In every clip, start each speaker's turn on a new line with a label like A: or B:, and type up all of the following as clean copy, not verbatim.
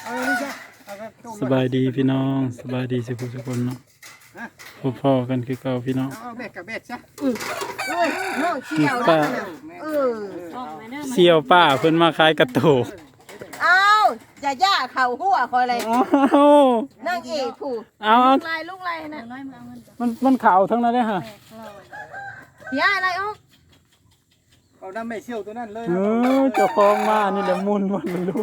A: สบายดีพี่น้องสบายดีสิทุกคนเนาะพ่อกันคือเก่าพี่น้อง
B: เอาแบกกับแบกซะ
C: น้องเชี่ยวแล้ว
A: เสี่ยวป้าเพิ่นมาขายกระโตก
C: เอาจะย่าเข่าหัวคอยเลยนั่งเอกผูก
A: เอา
C: ลูกไรนะ
A: มันขาวทั้งนั้นเลยฮะ
C: ย่าอะไรอ๊ก
B: เอาน้ำไม่เชี่ยวตัวนั้นเลย
A: เจ้าของมานี่แหละมุนมันรู้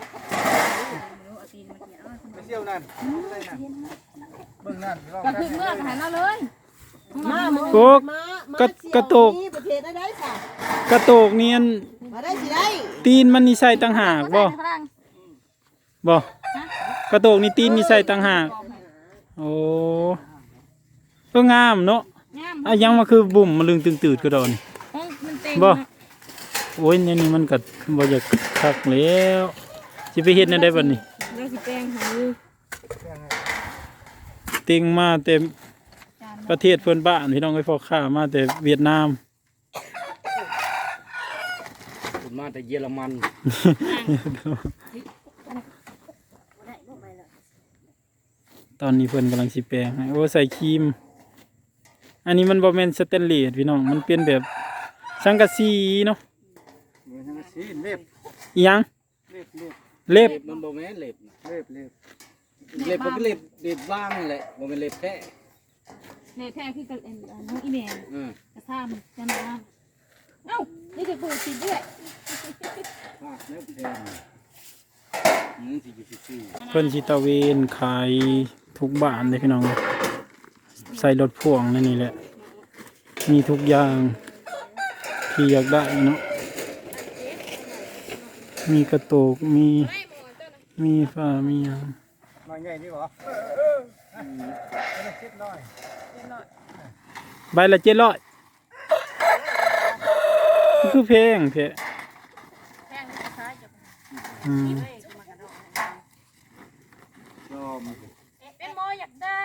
B: ไม่เชี่ยวนั่นเบื้องนั่น
C: กระถึงเมื่อหันเอาเลยมา
A: กระโตก
C: ประเทศได้ค่ะ
A: กระโตกเนียน
C: มาได้สิได้
A: ตีนมันนี่ใส่ต่างหากบ่กระโตกนี่ตีนนี่ใส่ต่างหากโอ้ก็งามเนาะอ่ะยังมาคือบุ่มมาลึงตึงตืดกระโดนบ่โอ้ยนี่มันก็บ่อยากคักแล้วสิไปเฮ็ดแนวใดบัดนี้
C: แล้วสิแป้งให้
A: ติงมาเต็มประเทศเพื่อนบ้านพี่น้องไอ้พ่อข้ามาแต่เวียดนาม
B: มาแต่เยอรมัน
A: ตอนนี้เพื่อนกำลังสิแปลงให้โอ้ใส่ครีมอันนี้มันบ่แม่นสแตนเลสพี่น้องมันเป็นแบบสังกะสีเนาะ
B: เล็บ
A: อีหยังเล็บ
B: มันบ่แม่นเล็บมันก็เล็บว่างนั่นแหละบ่แม่นเล็บแท้
C: เล็บแท้คือกับน้องอีแม่กระซ่ามจำได้เอ้านี่จะปูติดด้วย
A: เพิ่นสิตะเวนขายทุกบ้านเลยพี่น้องใส่รถพ่วงนี่แหละมีทุกอย่างที่อยากได้เนาะมีกระโตกมีฝ้ามีหยัง
B: มาใหญ่นี่บ่
A: ใบละ700คือแพงแท้
C: เป็นโมอยากได้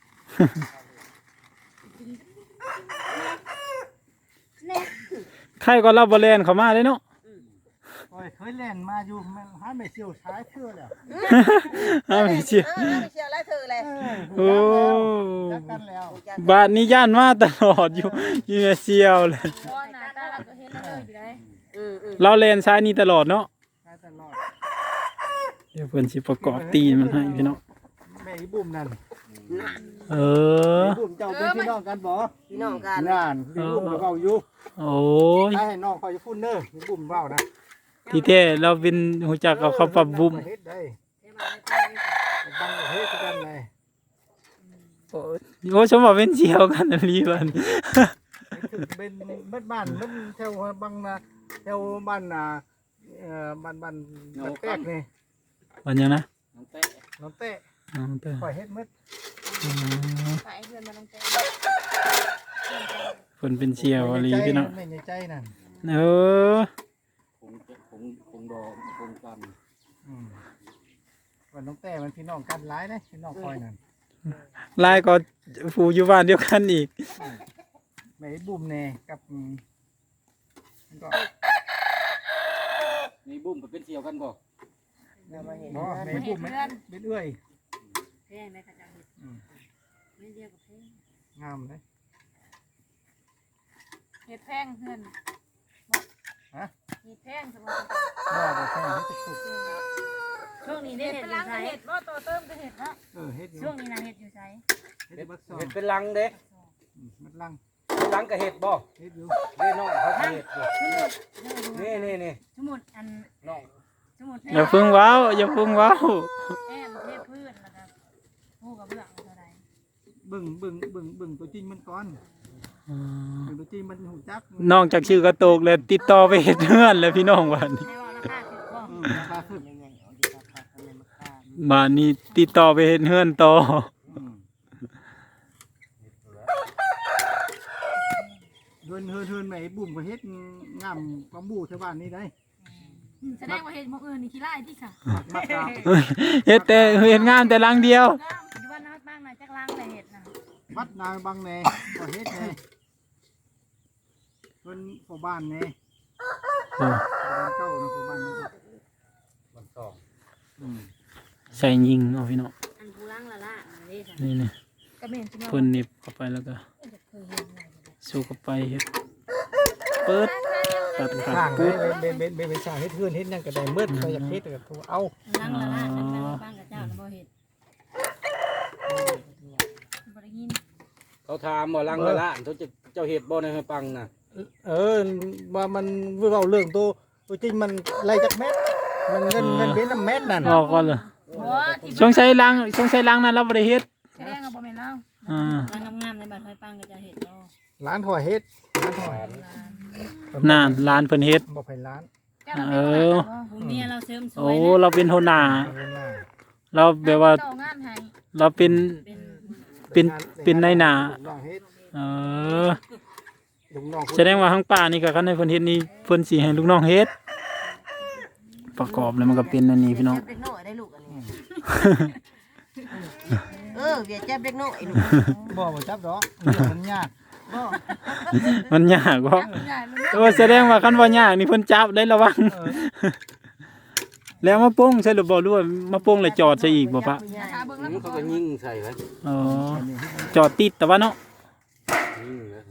A: ใครก็รับบอลแลนเขามาเลยเนาะ
B: เคยเล่นมาอยู่หาไม่เชี่ยวช้าเชื่อแล้ว
A: ไม่เชี่ยว
C: แล้วเธอเลย
A: โอ้บาทนี้ย่านมาตลอดอยู่ไม่เชี่ยวเลยเราเล่นซ้ายนี่ตลอดเนาะเดี๋ยวเพื่อนสิประกอบตีมันให้พี่น้อง
B: แม่บุ้มนั่นบุ้มเจ้าเป็นพี่น้องกันบ่
C: พี่น้องกัน
B: นั่นบุ้มเบาอยู่
A: โอ้ย
B: ให้น้องคอยจะพูดเน้อบุ้มเบานะ
A: ที่แท้เราเป็นหัวจักเอาเขาปรับบุ้มโอ้ชมว่าเป็นเชี่ยวกันอะไรบ้าง
B: เป็นบ้านแถวบางนาแถวบ้านบ้านแตกนี่
A: วันยังนะ
B: น้องเต้ปล่อยเฮ็ดมืด
A: คนเป็นเชี่ยวอะไรพี่น้อง
B: ในใจนั่นคงดอกคงกันวันน้องเต้มันพี่น้องกันร้ายนะพี่น้องคอยนั่น
A: ลายก็ผูอยู่บ้านเดียวกันอีก
B: ไม่บุ้มเน่กับมีบุ้มกับเป็นเชี่ยวกันบ่ไม่บุ้มเป็นเอื้อย
C: แพงไหมคะจังไม่เรียกกับแพง
B: งามเลย
C: เห็ดแพงเงิน
B: ฮะ
C: เห็ดแพงสมมติช่วงนี้เห็ดเป็นลังเห็ดว่าโตเติมก็เห็ดเนาะช่วงนี้นะเห็ดอยู่ใช้
B: เห็ดเป็นลังเด็กมันลังกับเห็ดบ่เห็ดอยู่เล่นน้องเขาเห็ดนี่
C: สมุดอัน
B: น้อง
A: อย่าพึ่งว้าวอย่าพึ่งว้าว
C: แอมเทพพืชนะครับผู้กับเบื้องเท่าไร
B: บึ่งตัวจริงมันก้อนตัวจริงมันหูจัก
A: น้องจากชื่อกระโตกเลยติดต่อไปเห็ดเพื่อนแล้วพี่น้องวันนี้บ้านนี้ติดต่อไปเห็ดเพื่อนต่อ
B: เฮินไหมบุ่มกับเฮ็ดงามความบูชาวบ้านนี่ได้
C: แสดงว่าเห็ดหมกอื่นนี่ขี้ไล่ที่ค่ะ
A: เห็ดแต่เห็ดงามแต่ลังเดียว
C: บ้านนัดบ้างนะจักลังแต่เห็ดนะ
B: วัดนางบางแน่ก็เฮ็ดแน่คนพ่อบ้านแน่บ้านเก่านะพ่อบ้านนี่บ้านสอง
A: ใส่ยิงเอาพี่น้อง
D: อันผู้ล้างละล่ะนี่ค่ะ
A: นี่นี่
C: ก็แม่นสิมา
A: เพิ่นหนิบเข้าไปแล้วก็สู้เข้าไปเฮ็ดเปิดตัดขาด
B: ข้าง
A: ปุ๊บ
B: เป็นสร้างเฮ็ดเฮือนเฮ็ดหยังก็ได้เมื่อใครอยากเฮ็ดก็เอา
D: ล้างละล่ะนั่นแม่บ้านกับเจ้าบ่เฮ็ด
C: บ่ได้ยิน
B: เขาถามบ่ลังละละเจ้าเฮ็ดบ่ในให้ปังน่ะว่ามันเว้าเรื่องตัวจริงมันไรจักเม็ดมันเงินเป็นน้ำเม็ดนั่น
A: ออกก่อนเลย
C: บ่ที่
A: สงสัยล้างนั้นเราบ่ได้เฮ็ด
C: แสดงว่าบ่แม่นเรา
A: อ่า
D: ล้างงามๆในบ้านห้อยปังกับเจ้าเฮ็ดบ่
B: ร้านถอยเฮ็ดร้านถอย
A: น่าร้านเพิ่นเฮ็ด
B: บ่ไผร้าน
C: เจ้าเราเป็นคนบ่
D: ผู้เมียเราเสริมสว
A: โอ้
D: ยนะ
A: เราเป็นหัวหน้า
B: เงินหน้า
A: เราแบบว่า
C: ต่องานให้
A: เราเป็น
D: เป็น
A: เป็นในหน้า
B: ลูกน้องเฮ็ด
A: เออ
B: ลูกน้อง
A: แสดงว่าทางป่านี่ก็คันให้เพิ่นเฮ็ดนี่เพิ่นสิให้ลูกน้องเฮ็ดประกอบแล้วมันก็เป็นอันนี้พี่น้อง
E: เด็กน้อยได้ลูกอันนี้เวียดจับเด็กน้อยลูก
B: บ่จับดอกมันยาก
E: บ่
A: มันยากบ่
C: ใหญ่มัน
A: โอ้แสดงว่าคันว่ายากนี่เพิ่นจับได้ระวัง แล้วมาโป้งใช่หรือบ่รู้ว่ามาโป้งแล้วจอดใส่อีกบ่ปะ
C: ขาเบิ่งแล้ว
B: เขาก็ยิงใส่ไว้
A: อ๋อจอดติดแต่ว่าเนาะ
B: ยิงแล้ว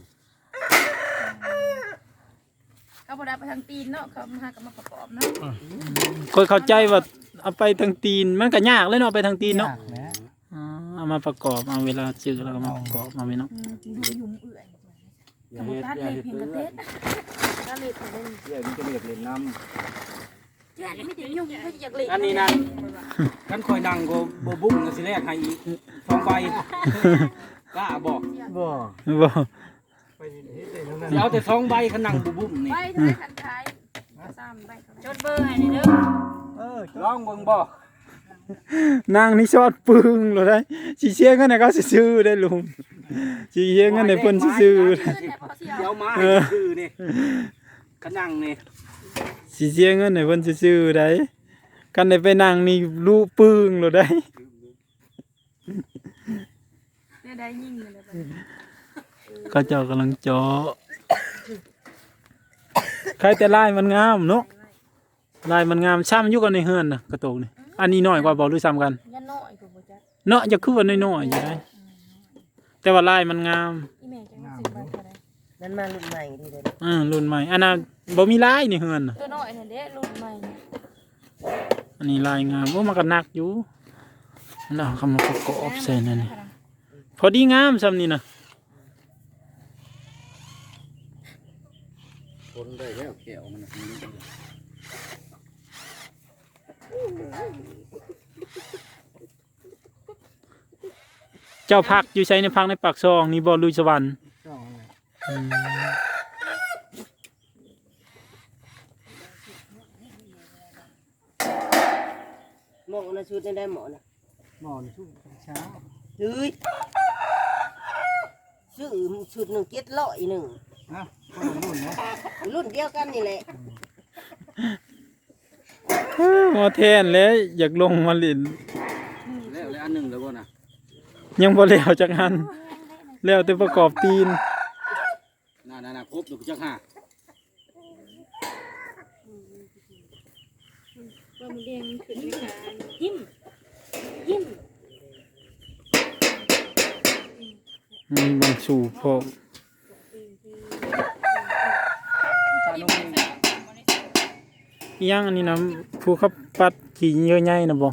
C: เขาบ่ได้ไปทางตีนเนาะเขามาหากับมาประกอบเนาะ
A: คนเข้าใจว่าเอาไปทางตีนมันก็ยากเลยเนาะไปทางตีนเนาะ
B: แหม
A: อ๋อเอามาประกอบเอาเวลาซื้อแล้วก็มาประกอบมาพี่น้อง
C: กินหัวยุ่มเอื่อย
B: อย่า
C: บ่
B: เฮ็ด
C: ตัด
B: อย่า
C: เลย
B: เฮ็ด
C: เพียงกระเทศ
E: ก็เลยไปเล่น
B: อย่ามันจะเรียกเล่นน้
C: แย่ไม่ได้ยุ่งเขาอยากเล่น
B: ำอันนี้นะกันคอยดังก็บ่บุ้งก็สิแรกให้อีก2ใบกล้าบอก
A: บ่
B: ไปเฮ็ดได้เท่านั้นเอาแต่2ใบคันนั่งบ่บุ้งนี่
C: ไปเท่าไหร่ทันท้าย3ใบ
D: จดเบอร์ให้นี่เด้อ
B: ลองเบิ่งบ่
A: นางนี่ชอดปึ้งเลยได้สิเชียร์กันให้เขาซื้อได้ลุงสิเชียร์กันให้เพิ่นซื้อ
B: เดี๋ยวมาให้ซื้อนี่คันนั่งนี่
A: สิเชียร์กันให้เพิ่นซื้อได้กันได้ไปนั่งนี่รู้ปึ้งเลยได้
C: เนี่ยได้ยิงเลยแบบ
A: เขาเจ้ากำลังเจาะใครแต่ลายมันงามเนาะลายมันงามซ้ำอยู่กันในเฮือนน่ะกระโตกนี่อันนี้น้อยกว่าบ่หรือซ้ำกัน
C: ยันน้อยกูบ่จัก
A: เนาะจะคือว่าน้อยๆอยู่ได้แต่ว่าลายมันงาม
C: อีแม่จังซื้อไปเท่าไหร่
E: นั่นมารุ่นใหม่ดีเลย
A: รุ่นใหม่อันน่ะบ่มีลายในเฮือนน่ะ
C: ตัวน้อยนั่นเด้รุ่นใหม่
A: อันนี้ลายงามโอ้มันก็หนักอยู่แล้วเขามาประกอบใส่นั่นนี่พอดีงามซ้ำนี่นะ
B: คนได้แล้วแก้วมัน
A: เจ้าพักอยู่ใช้ในพักในปากซองนี่บ่ลุยสวรรค์อืม
E: หมอนะชุดได้หมอนะ
B: หมอนชุบเช้า
E: เฮ้ยซื้อชุดหนึ่ง700หนึ่ง
B: นะคนรุ่นนะ
E: รุ่นเดียวกันนี่แหละ
A: หมอแทนแล้วอยากลงมาเล่น
B: แล้วอันหนึ่งแล้วบ่น่ะ
A: ยังบ่แล้วจักอันแล้วแต่ประกอบตีน
B: น่ะครบอยู่จักห้า
C: ว่ามันเรียงขึ้นในการ
D: ยิ้มยิ้ม
A: มีบางสู่พร้อม
B: ชาลง
A: อีหยังอันนี้นะผู้ขับปัดขี่เยอะใหญ่นะบ่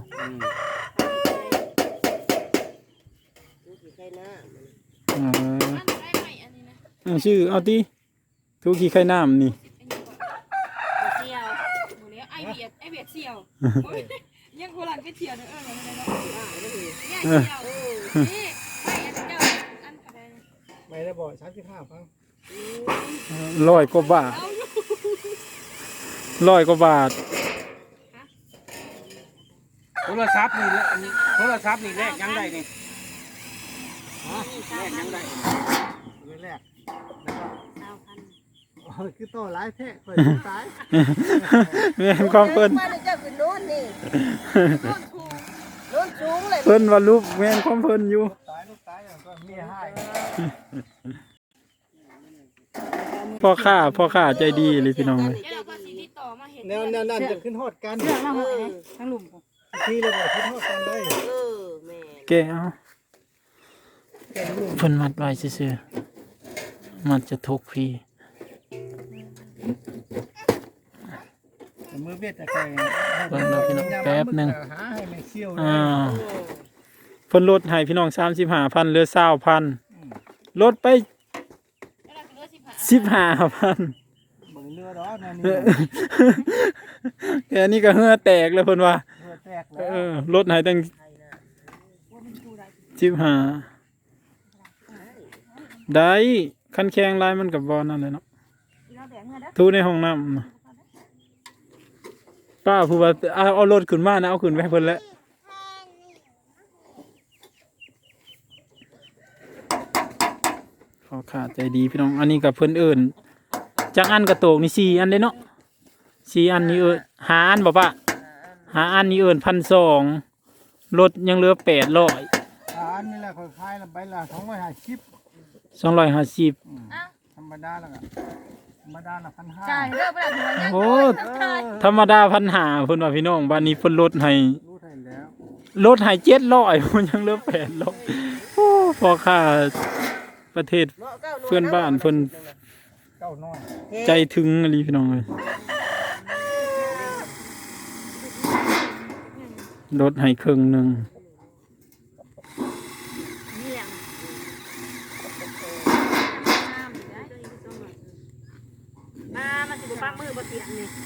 E: ใช่นะ
A: เออ
C: อันได้ไหมอันนี้นะ
A: เอาชื่อเอาติทุกขี่ไข่น้ำนี่
D: เสี่ยว
C: หมูเลี้ยงไอเบียดเสี่ยวยังโบราณไปเที่ยวเด้ออะไรเนาะเนี่ยเสี่ยวนี่ไปอันเจ้าอันอะไร
B: ไม่ได้บ่35ฟัง
A: 100 กว่าบาท100 กว่าบาท
B: โทรศัพท์นี่โทรศัพท์นี่แลกยังได้นี่ฮะแลกยังได้แลก
D: 20,000
B: คือโตหลายแท้เปิดตาย
A: แม่นความเพิ่น
E: มาเจ้าคือโน้นนี่โน้นสูงเลย
A: เพิ่นว่ารูปแม่นความเพิ่นอยู่
B: ตายลูกตายก็มีให้
A: พ่อค้าใจดีเลยพี่น้องเลย
C: เดี๋ยวเราก็สิติดต่อมาเห็น
B: แนวนั่นจะขึ้นฮอดกัน
D: เรื่องมาหอยทั้งหลุม
B: ที่เลยบ่คิดฮอดกันได้
D: แม่
A: แกเอาเพิ่นมัดไว้ซื่อๆมันจะทุกพี่
B: มือเบ็ดตะไคร้
A: เบิ่งเราพี่น้องแป๊บหนึง
B: หาให้มันเชี่ยวเลย
A: เพิ่นลดให้พี่น้อง35,000เหลือ20,000ลดไป15,000
B: เบิ่งเรือดอกนั่นนี่
A: แค่นี้ก็เหงื่อแตกแล้วเพิ่นว่า
B: เรือแตกแล้ว
A: ลดให้ตั้ง15ได้คันแข็งลายมันก็บ่นั่นเลยเนาะทูในห้องน้ำน่ะป้าผู้ว่าเอารถขึ้นมานะเอาขึ้นไปให้เพิ่นแล้วขอขาดใจดีพี่น้องอันนี้กับเพิ่นเอิ้นจักอันกระโตกนี่4อันเด้เนาะ4อันนี่5อันบ่ป้า5อันนี่เอิ้น1,200รถยังเหลือ800
B: อันนี้แหละค่อยคายละใบละ250
A: 250
B: ธรรมดาแล้วก็ธรรมดาละ1,500
C: จ่ายเด้อบ่ได้หัวยัง
A: โอ้ธรรมดา1,500เพิ่นว่าพี่น้องบ้านนี้เพิ่นลดให้
B: รู้ได้แล้ว
A: ลดให้700มันยังเหลือ800โอ้พอค่าประเทศเพื่อนบ้านเพิ่น
B: เก้าน้อย
A: ใจถึงอะไรพี่น้องเลยลดให้ครึ่งหนึง
D: มามันสิบ่ปักมือบ่เตียงนี่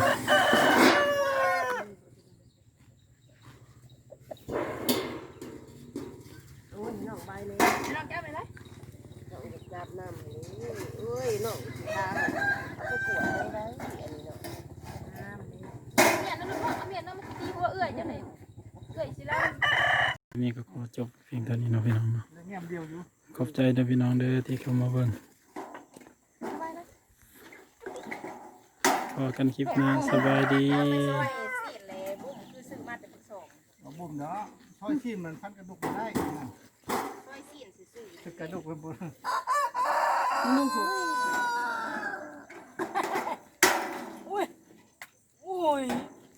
D: โอ้ยน้องใบเลย
C: น้องแก้ไปเลย
D: น้องอยากจับน้ำนี่เอ้ยน้องสิทาเอาไปกวดได้ได้อันนี้เนาะน้ำนี่
C: เมียนนั่นลูกพ่อเมียนนั่นมันตีหัวเอื้อยจังได๋เอื้อยสิแล้ว
A: นี่ก็ขอจบเพียงเท่านี้เนาะพี่น้องเนาะ
B: เงียบเดียวอยู่
A: ขอบใจเด้อพี่น้องเด้อที่เข้ามาเบิ่งพอกันคลิปหน้าสบายดี
B: เอาบุ่มเนาะซอยซีนมันพันกระดูกได้นะ
D: ซอยซีนซื่อ
B: กระดูกเป็นบุญ
C: นุ่งหัว